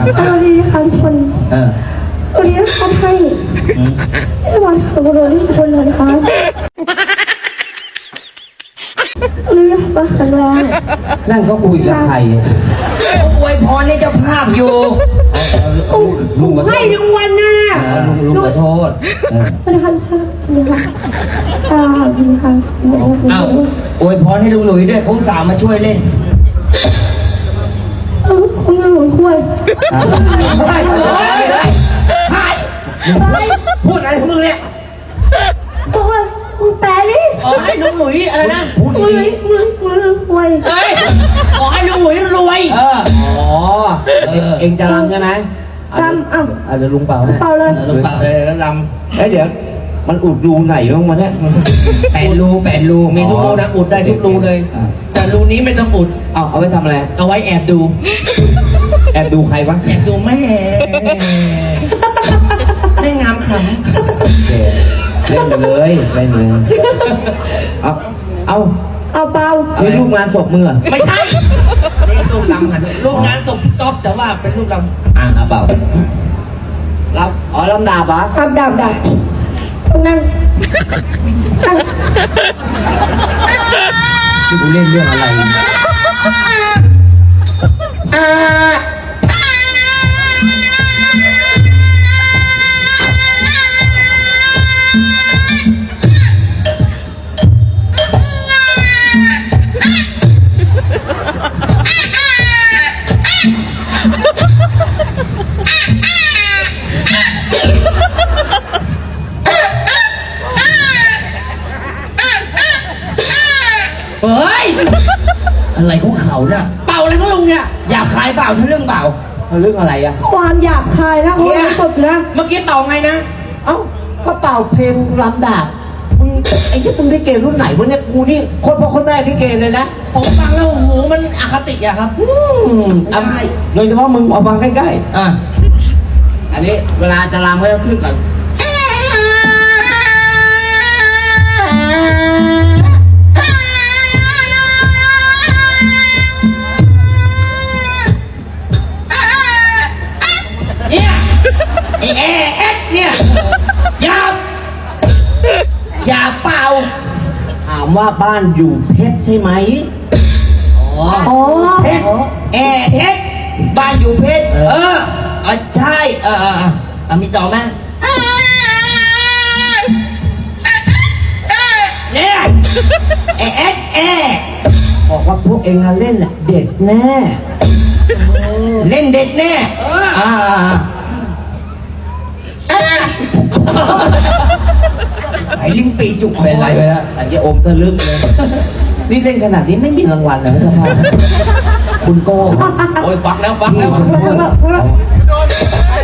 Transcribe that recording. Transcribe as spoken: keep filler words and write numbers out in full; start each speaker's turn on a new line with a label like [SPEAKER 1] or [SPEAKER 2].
[SPEAKER 1] เอาดีค่ะทุกคน
[SPEAKER 2] เออ
[SPEAKER 1] วันนี้เขาให้ให้วันขอบคุณทุกคนเลยนะคะเรื่องมาครั้งแรก
[SPEAKER 2] นั่งก็คุยกับใครอวยพรให้เจ้าภาพอยู่ลุง
[SPEAKER 1] ให้รางวัลนะ
[SPEAKER 2] ลุงขอโทษ
[SPEAKER 1] วันนี้ค่ะวันนี้ค่ะตาดีค่ะ
[SPEAKER 2] อ้าวอวยพรให้ลุงหลุยด้วยเขาสาวมาช่วยเล่น
[SPEAKER 1] เออคุณยังหลุยช่วย
[SPEAKER 2] พูดอะไรของมึงเนี่ย
[SPEAKER 1] บอกว่ามึงแปลดิ
[SPEAKER 3] ขอให้ลุงหลุยอะไรนะ
[SPEAKER 1] มึงมึงมึงรวย
[SPEAKER 3] เฮ้ยขอให้ลุงหลุยรวย
[SPEAKER 2] เอออ๋อเองจะรำใช่ไหม
[SPEAKER 1] รำอ้าว
[SPEAKER 2] เดี๋ยวลุงเป่าให้
[SPEAKER 1] เป่าเลย
[SPEAKER 3] ลุงเป่าเลยแล้วรำ
[SPEAKER 2] เอ้ยเดี๋ยวมันอุดรูไหนบ้างวะเนี่ยแปดรูแปดรู
[SPEAKER 3] มีทุกรูนะอุดได้ทุกรูเลยแต่รูนี้ไม่ต้องอุด
[SPEAKER 2] เอาเอาไว้ทำอะไร
[SPEAKER 3] เอาไว้แอบดู
[SPEAKER 2] แอบดูใครวะ
[SPEAKER 3] แอบดูแม่แม่งามข
[SPEAKER 2] ำเล่นเลยเล่นเลยเอาเอา
[SPEAKER 1] เอาเปล่า
[SPEAKER 2] นี่ลูกงานศพมือ
[SPEAKER 3] ไม่ใช่นี่ลูกลำค่ะลูกงานศพจ๊อบแต่ว่าเป็นลูกล
[SPEAKER 2] ำอ่ะเอาเปล่ารับอ๋อลำดาบเหรอ
[SPEAKER 1] ครับดาบดาบนั่งนั่ง
[SPEAKER 2] ที่กูเล่นเรื่องอะไรอ่า
[SPEAKER 3] เฮ้ย
[SPEAKER 2] อะไรของเขาเนี่ย
[SPEAKER 3] เป่าอะไรของลุงเนี่ย
[SPEAKER 2] อยากขายเปล่าเรื่องเปล่าเรื่องอะไรอะ
[SPEAKER 1] ความหยาบคายแล้วเขาไม่ตบนะ
[SPEAKER 3] เมื่อกี้เป่าไงนะ
[SPEAKER 2] เอ้าก็เป่าเพลงลำดาบมึงไอ้ที่มึงได้เกรุ่นไหนวะเนี่ยกูนี่คนพ่อคนแม่ได้เกเลยนะ
[SPEAKER 3] ผมฟังแล้วโอ้โหมันอคติอะครับ
[SPEAKER 2] อืมอ่ะโดยเฉพาะมึงเอาฟังใกล้ๆอ่ะอันนี้เวลาจะรำก็จะขึ้นก่อน
[SPEAKER 3] เนี่ยไอเอเอสเนี่ยอยากอยากเป่า
[SPEAKER 2] ถามว่าบ้านอยู่เพชรใช่ไหม
[SPEAKER 3] อ๋อ
[SPEAKER 2] เพชรเอเพชรบ้านอยู่เพชรเอออ่ะใช่เออเอออ่ะมีต่อไหมเนี่ยเอเอสเอบอกว่าพวกเองเล่นเด็ดแน่เล่นเด็ดแน่อ่าไอ้ลิงปีจุกเป็นไรไปแล้วไอ้เจ้าอมทะลึ่งเลยนี่เล่นขนาดนี้ไม่มีรางวัลเลยครับพ่อคุณโก้
[SPEAKER 3] โอ้ยฟักแล้วฟักแล้ว